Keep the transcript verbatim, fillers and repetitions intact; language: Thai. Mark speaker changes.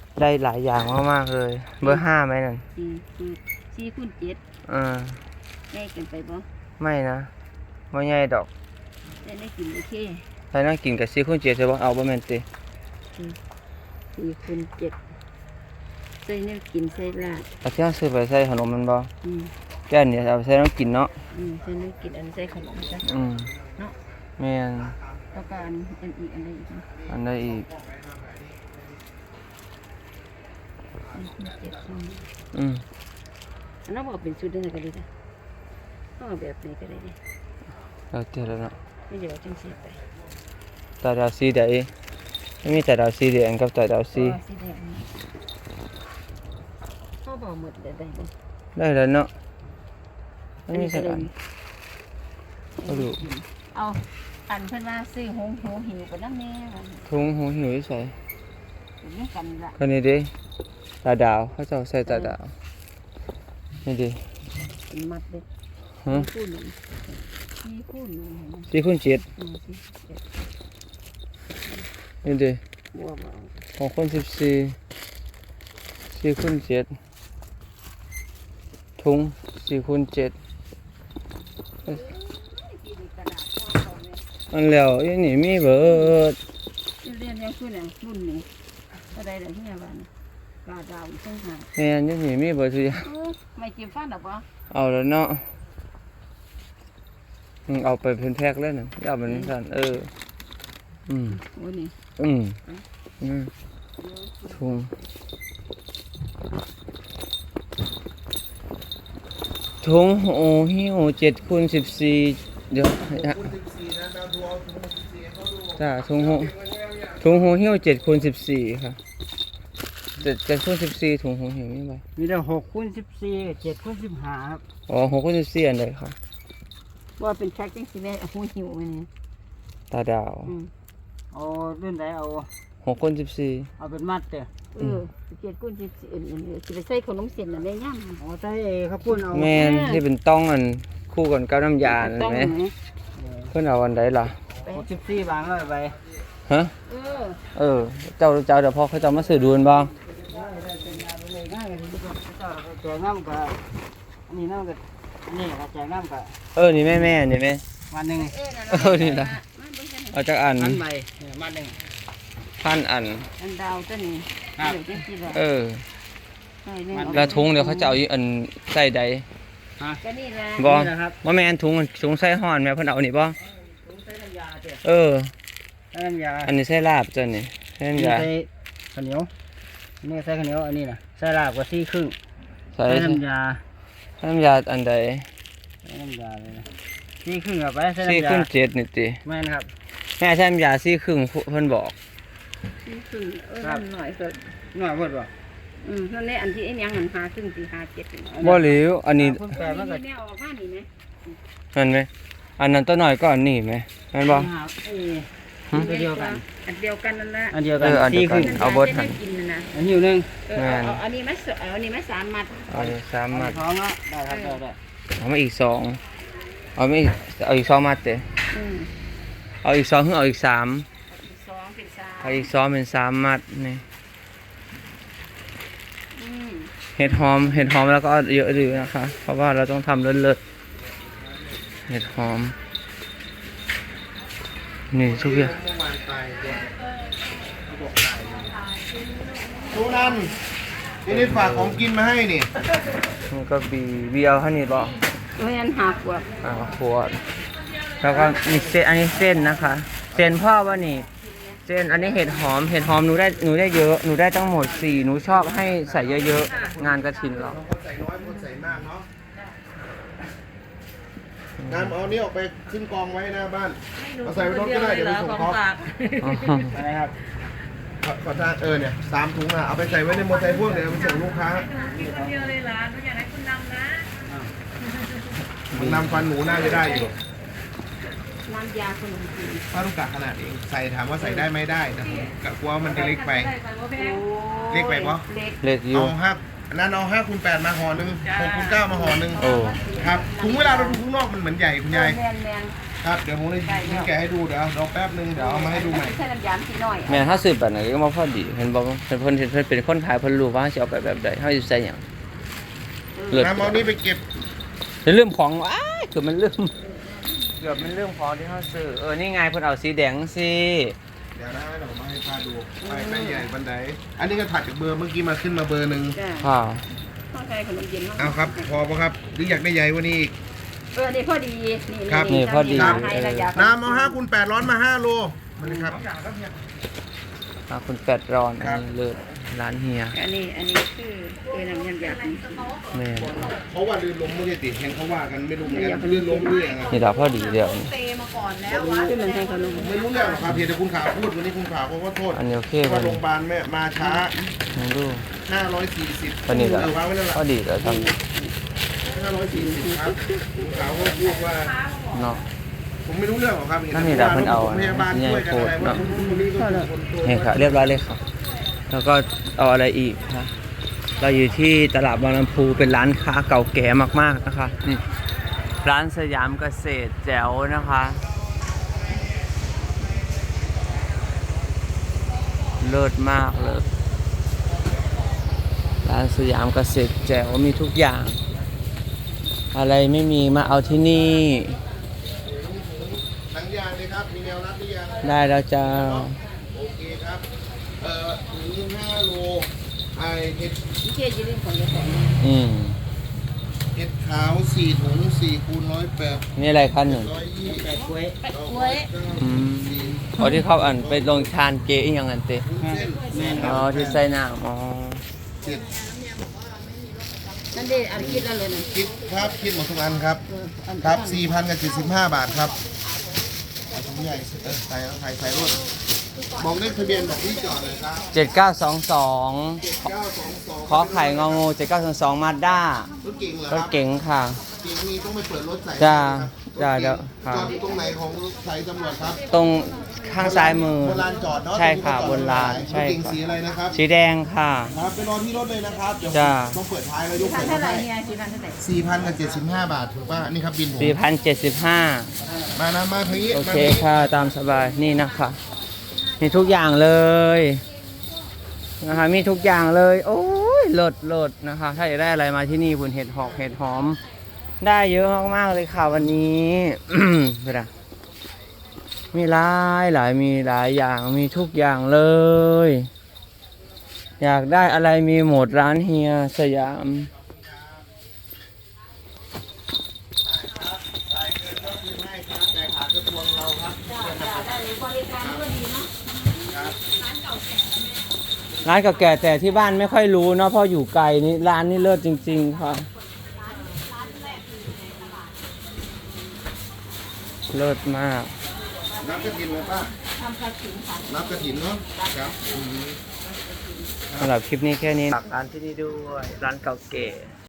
Speaker 1: ได้หลายอย่างมากๆเลยเบอร์ห้าไหมนั่น
Speaker 2: อืมคือสี่คูณเจ็ด
Speaker 1: อ่า
Speaker 2: ใหญ่เกินไปบ่
Speaker 1: ไม่นะไม่ใหญ่ดอก
Speaker 2: ได้ได้กินโอเค
Speaker 1: ใส่น้ำกินกับสี่คูณเจ็ดใช่ปะเอาบะแมนตี
Speaker 2: สี่คูณเจ็ดใส่เนี่ยกินใส่ลาด
Speaker 1: เอาที่เราซื้อไปใส่ขนมมันบ่
Speaker 2: อืม
Speaker 1: แก้วเนี่ยเอาไปใส่น้ำกินเนาะ
Speaker 2: อืมใส่เนี่ยกินอันใส่ขนมจ้ะ
Speaker 1: อืม
Speaker 2: เนาะ
Speaker 1: แม่น
Speaker 2: แล้วก็อันอันอีกอันใดอีกนะ
Speaker 1: อันใดอีกอืม
Speaker 2: อันนั้นบอกเป็นชุดเดิมกันเลยนะต้องเอาแบบไหนก็ได้ดิ
Speaker 1: เราเจอแล้วเนาะ
Speaker 2: ไม่เดี๋ยวจังสีไป
Speaker 1: ตาดาวสีใดไม่มีแต่ดาวสีแดงกับแต่ดาวสี
Speaker 2: สีแดงเขาบอกหมดเลยได้บ่
Speaker 1: ได้แล้วเนาะไม่มีสักอันเอาดู
Speaker 2: เอาอันเพิ่นว่าซื้อหงหูหิวไปน้ำแน่
Speaker 1: ถุงหูหิวใส่
Speaker 2: นี่กันละ
Speaker 1: คนนี้ดิตาดาวเขาจะใส่ตาดาวนี่ดิ
Speaker 2: มัดเลย
Speaker 1: ฮะ
Speaker 2: คู่หนึ่งสี่คู่หนึ่ง
Speaker 1: สี่คูณเจ็ดนี่ดิของคนสิบสี่สี่คูณเจ็ดถุงสี่คูณเจ็ดอันแล้วยี่นี่มีเบิด
Speaker 2: เรียนยังคือเนี่ยรุ่นนี้อะไรเดี๋ยวที่ไหนบ้างกาดาวตั้งหาก
Speaker 1: แม่ยี่นี่มีเบิดทุกอย่าง
Speaker 2: ไม่จิ้มฟันหรอปะ
Speaker 1: เอาแล้วเนาะเอาไปเป็นแพ็คแล้วน่ะเอาเป็นสั่นเอออืม
Speaker 2: โอ้นี่
Speaker 1: อืมอืมถุงถุงโอ้หิวเจ็ดคูณสิบสี่เดี๋ยวจ้าถุงหูถุงหูหิวเจ็ดคูณสิบสี่ค่ะเจ็ดเจ็ดคูณสิบสี่ถุงหูหิวนี่ไป
Speaker 2: มีแต่หกคูณสิบสี่เจ็ดคูณสิบห้าครับ
Speaker 1: อ๋อหกคูณสิบสี่อันใดค่ะ
Speaker 2: ว่าเป็นแพ็คจังสิแม่หูหิวมันนี่
Speaker 1: ตาดาว
Speaker 2: เอาเรื่องไหนเอา
Speaker 1: หกคูณสิบสี่
Speaker 2: เอาเป็นมัดเด้อเออเจ็ดคูณสิบสี่เอ็นเอ็นจะไปใส่ขนมเส้นอะไรย่ำอ๋อใส่ข้าวปุ้นเอา
Speaker 1: แม่ที่เป็นต้องอันคู่กันกับน้ำยาใช่ไหมเพื่อนเอาอันใดล่ะ
Speaker 2: หกสิบสี่บางเลยไป
Speaker 1: ฮะเออเออเจ้าเจ้าเดี๋ยวพอเขาจะมาสื่อดูนบ้าง
Speaker 2: แจกน้ำกับนี่น้ำกับนี่กับแจกน้ำกับ
Speaker 1: เออนี่แม่แม่นี่แม่
Speaker 2: วันหนึ่ง
Speaker 1: เออนี่นะเอาจากอัน
Speaker 2: พันใบวันหนึ่ง
Speaker 1: พันอัน
Speaker 2: อันดาวตัวนี้
Speaker 1: เออแล้วถุงเดี๋ยวเขาจะเอาอันใส่ใดบ่ว่าแม่อันถุงถุงใส่ห่อนแม่เพิ่นเอานี่บ่เอออันนี้ใส่ลาบจ้ะนี่ใส่น้ำยา
Speaker 2: ใส่ข้าวเหนียวนี่ใส่ข้าวเหนียวอันนี้นะใส่ลาบกว่าซี่ครึ่งใส่น้ำยา
Speaker 1: ใส่น้ำยาอันใด
Speaker 2: ใส่น้ำยาเลยซี่ครึ่งเอาไปใส่
Speaker 1: น้ำยาซี่ครึ่งเจ็ดนี่ติ
Speaker 2: แม่นครับ
Speaker 1: แม่ใส่น้ำยาซี่ครึ่งเพิ่นบอก
Speaker 2: ซี่ครึ่งเออหน่อยเกิดหน่อยเพิ่นบ่อืมนั่นแหละอันที่ไอ้ยังหันหาครึ่งสี่หาเจ็ด
Speaker 1: บ่หลิวอันนี้
Speaker 2: เพิ่นแปลว่าก็แนวออกมานี่มั้ย
Speaker 1: นั่นมั้ยอันนั้นตัวน้อยก็อันนี้มั้ยแม่นบ่
Speaker 2: อันเดียวกันอันเดียวกันนั่นแหละ
Speaker 1: อันเดียวกันซี่ครึ่งเอาเบิดหั่น
Speaker 2: อันหิวนึงเออเอาอันนี้มั้ยเอาอันนี้มั้ยสามมัด
Speaker 1: เอาสามมัด
Speaker 2: ท้องเนาะได้ครับได้
Speaker 1: เอามาอีกสองเอาไม่เอาอีกสองมัดเด้อืมเอาอีกสองหรือเอาอีกสาม
Speaker 2: สองเป็นสาม
Speaker 1: เอาอีกสองเป็นสามมัดนี่เห็ดหอมเห็ดหอมแล้วก็เยอะดีนะคะเพราะว่าเราต้องทำเลิศๆเห็ดหอมนี่ทุกอย่าง
Speaker 3: ทุนันนี่นี่ฝากของกินมาให้นี่
Speaker 1: มันก็บีเบียวให้นี่บอก
Speaker 2: เฮ้ยอันหักว่ะ
Speaker 1: อ่าขวดแล้วก็มีเส้นอันนี้เส้นนะคะเส้นพ่อว่านี่เส้นอันนี้เห็ดหอมเห็ดหอมหนูได้หนูได้เยอะหนูได้ทั้งหมดสี่หนูชอบให้ใส่เยอะๆงานกระถินเรา
Speaker 3: ใส่น้อยคนใส่มากเนาะงานเอานี้ออกไปขึ้นกองไว้หน้าบ้านเอาใส่ไว้รถก็ได้เดี๋ยวไปส่งเขาอะไรครับขอทานเออเนี่ยสามถุงอ่ะเอาไปใส่ไว้ในมอเตอร์ไซค์พวกเดี๋ยวไปส่งลูกค้า
Speaker 2: มีคนเดียวเลยล่ะหนูอยากให้คุณนำนะ
Speaker 3: มันนำฟันหนูน่าจะได้อยู่
Speaker 2: น้ำยาขนมจีน
Speaker 3: ป้าลูกกะขนาดเองใส่ถามว่าใส่ได้ไม่ได้แต่ผมกะกลัวมันจะเล็กไปเล็กไปปะ
Speaker 1: เล็กอยู่
Speaker 3: เอาห้านั่นเอาห้าคูณแปดมาห่อหนึ่งหกคูณเก้ามาห่อหนึ่งครับถุงเวลาเราดูข้างนอกมันเหมือนใหญ่คุณยายครับเดี๋ยวผมเลยแกะให้ดูเดี๋ยวรอแป๊บนึงเดี๋ยวเอามาให้ดูใหม่
Speaker 2: ใส่น้ำยาสีหน่อย
Speaker 1: แม่นถ้าซื้อแบบไหนก็มาพอดีเห็นบอกว่าเพิ่นเพิ่นเพิ่นเป็นคนขายเพิ่นรู้ว่าสิเอาไปแบบใดเฮาสิใส่หยังเลิศ
Speaker 3: น้ำเอานี้ไปเก็บ
Speaker 1: เรื่องของอ้ายเกือบมันเรื่องเกือบมันเรื่องของที่เฮาซื้อเออนี่ไงเพิ่นเอาสีแดงสิ
Speaker 3: เดี๋ยวนะเดี๋ยวมาให้ป้าดูไปแม่ใหญ่บันไดอันนี้ก็ถัดจากเบอร์เมื่อกี้มาขึ้นมาเบอร์หนึ่ง
Speaker 2: จ้ะ
Speaker 1: ค่ะ
Speaker 2: ต้องใส่ขนมเย็นมาก
Speaker 3: เอาครับพอปะครับหรืออยากได้ใหญ่กว่านี้อีก
Speaker 2: เออนี่พอดี
Speaker 3: ครับ
Speaker 1: นี่พอดี
Speaker 2: ให้ระยะ
Speaker 3: น้ำเอาห้าคูณแปดร้อนมาห้าโลมาเลยครับ
Speaker 1: อ่าคุณแปดร้อนอัน
Speaker 3: ครับ
Speaker 1: นี้เลิศร้านเฮีย
Speaker 2: อันนี้อันนี้คือเออน้ำยำยาสี
Speaker 1: แม่น
Speaker 3: เพราะว่าลื่นล้มไม่ได้ติดแหงเขาว่ากันไม่รู้เหมือนกันลื่นล้มเรื่องอะ
Speaker 1: นี่ล่ะพอดีเดี๋ยวนี้
Speaker 2: ที่มันให้ขนม
Speaker 3: ไม่รู้เรื่องหรอกครับเพียงแต่คุณขาวพูดวันนี้คุณขาวเขาก็โทษ
Speaker 1: อันนี้โอเค
Speaker 3: ว่า
Speaker 1: บ่
Speaker 3: โรงพยาบาลแม่มาช้า
Speaker 1: ลองดู
Speaker 3: ห้าร้อยสี่สิบ
Speaker 1: อันนี้ล่ะ
Speaker 3: เออวางไว้นั่นแหละ
Speaker 1: พอดีแล้วทำ
Speaker 3: ห้าร้อยสี่สิบครับคุณขาวก็พูดว่า
Speaker 1: เนาะ
Speaker 3: ผมไม่รู้เรื่องหรอกครับ
Speaker 1: นั่นนี่แหละเพิ่นเอา
Speaker 3: พยาบาลช่วยกันอะไรว่าคุณคนนี้ก็คือคนโต
Speaker 1: นี่ค่ะเรียบร้อยเลยค่ะ แล้วก็เอาอะไรอีกคะเราอยู่ที่ตลาดบางลำพูเป็นร้านค้าเก่าแก่มากๆนะคะนี่ร้านสยามเกษตรแจ๋วนะคะเลิศมากเลยร้านสยามเกษตรแจ๋วมีทุกอย่าง อะไรไม่มีมาเอาที่นี่
Speaker 3: หนังยางเลยครับมีแนวรับหรือยัง
Speaker 1: ได้แล้วจ้า
Speaker 3: โอเคครับเอ่อหนึ่งห้าโลไอเห็ด
Speaker 2: ที่เชื่อยืนของยาแสง
Speaker 1: อืม
Speaker 3: เห็ดขาวสี่ถุงสี่คูณร้อยแปด
Speaker 1: นี่อะไรคะหนึ่ง
Speaker 3: ร้อยยี่สิบ
Speaker 2: แต่กล้วย
Speaker 3: กล้วย
Speaker 1: อืมอ๋อที่เขาอันไปลงทานเกอีกอย่างนั้นเต
Speaker 3: เส้น
Speaker 1: อ๋อที่ใส่น้ำอ๋อ
Speaker 3: เจ็ด
Speaker 2: นั่นดิอันคิดแล้วเลยนะ
Speaker 3: คิดครับคิดหมดทุกอันครับ
Speaker 2: เอออัน
Speaker 3: ครับสี่พันกับเจ็ดสิบห้าบาทครับเอาถุงใหญ่เออใส่เอาใส่ใส่รถบอกเลขทะเบียนบอกที่จอดเลยครับ
Speaker 1: เจ็ดเก้าสองสอง
Speaker 3: เจ็ดเก้าสองสอง
Speaker 1: ขอไข่งองูเจ็ดเก้าสองสองมาด้าร
Speaker 3: ถเก่งเหรอค
Speaker 1: ร
Speaker 3: รั
Speaker 1: ถ
Speaker 3: บ
Speaker 1: เก๋งค่ะ
Speaker 3: เก่งนี้ต้องไปเปิดรถใส่
Speaker 1: จ้า
Speaker 3: ครับ
Speaker 1: จ้าเดี๋ยวครับ
Speaker 3: จอดอยู่ตรงไหนของสายตำรวจครับ
Speaker 1: ตรงข้างซ้ายมือ
Speaker 3: บนลานจอดเนาะ
Speaker 1: ใช่ค่ะ
Speaker 3: ตรง
Speaker 1: บนลาน
Speaker 3: จอด
Speaker 1: ใช่
Speaker 3: รถเก่ง
Speaker 1: ค่ะ
Speaker 3: สีอะไรนะครับ
Speaker 1: สีแดงค่ะ
Speaker 3: ครับไปรอที่รถเลยนะครับเดี๋ยว
Speaker 1: จ้า
Speaker 3: ต้องเปิดท้ายแล้วยก
Speaker 2: พั
Speaker 3: เปิ
Speaker 2: น
Speaker 3: ด
Speaker 2: เท่าไหร่
Speaker 3: ให้
Speaker 2: เนี่ยสี่พันเท่าไหร่
Speaker 3: สี่พันกับเจ็ดสิบห้าบาทถูกป่ะนี่ครับบินผม
Speaker 1: สี่พันเจ็ดสิบห้า
Speaker 3: มานะมาทางนี้
Speaker 1: โอ
Speaker 3: มา
Speaker 1: เค
Speaker 3: ทางนี้
Speaker 1: ค่ะตามสบายนี่นะคะมีทุกอย่างเลยนะคะมีทุกอย่างเลยโอ้ยเลิศเลิศนะคะ ถ้าอยากได้อะไรมาที่นี่คุณเห็ดหอกเห็ดหอม ได้เยอะมากๆเลยค่ะวันนี้ เวลามีหลายหลายมีหลายอย่างมีทุกอย่างเลย อยากได้อะไรมีหมดร้านเฮียสยาม
Speaker 3: จ่ายเงินก็คืนให้ครับแต่ขาดกระทรวงเราครับ
Speaker 2: ได้เลยบริการก็ดีเนาะ
Speaker 3: ครับ
Speaker 1: ร้านเก่าแก่แต่ที่บ้านไม่ค่อยรู้เนาะเพราะอยู่ไกลนี่ร้านนี่เลิศจริง ๆ ค่ะเลิศมาก
Speaker 3: นับกระถินเลยป้า
Speaker 2: ทำกระถิ่นค่ะ
Speaker 3: นับกระถินเนาะครับอืม
Speaker 1: สำหรับคลิปนี้แค่นี้ฝากร้านที่นี่ด้วยร้านเก่าแก่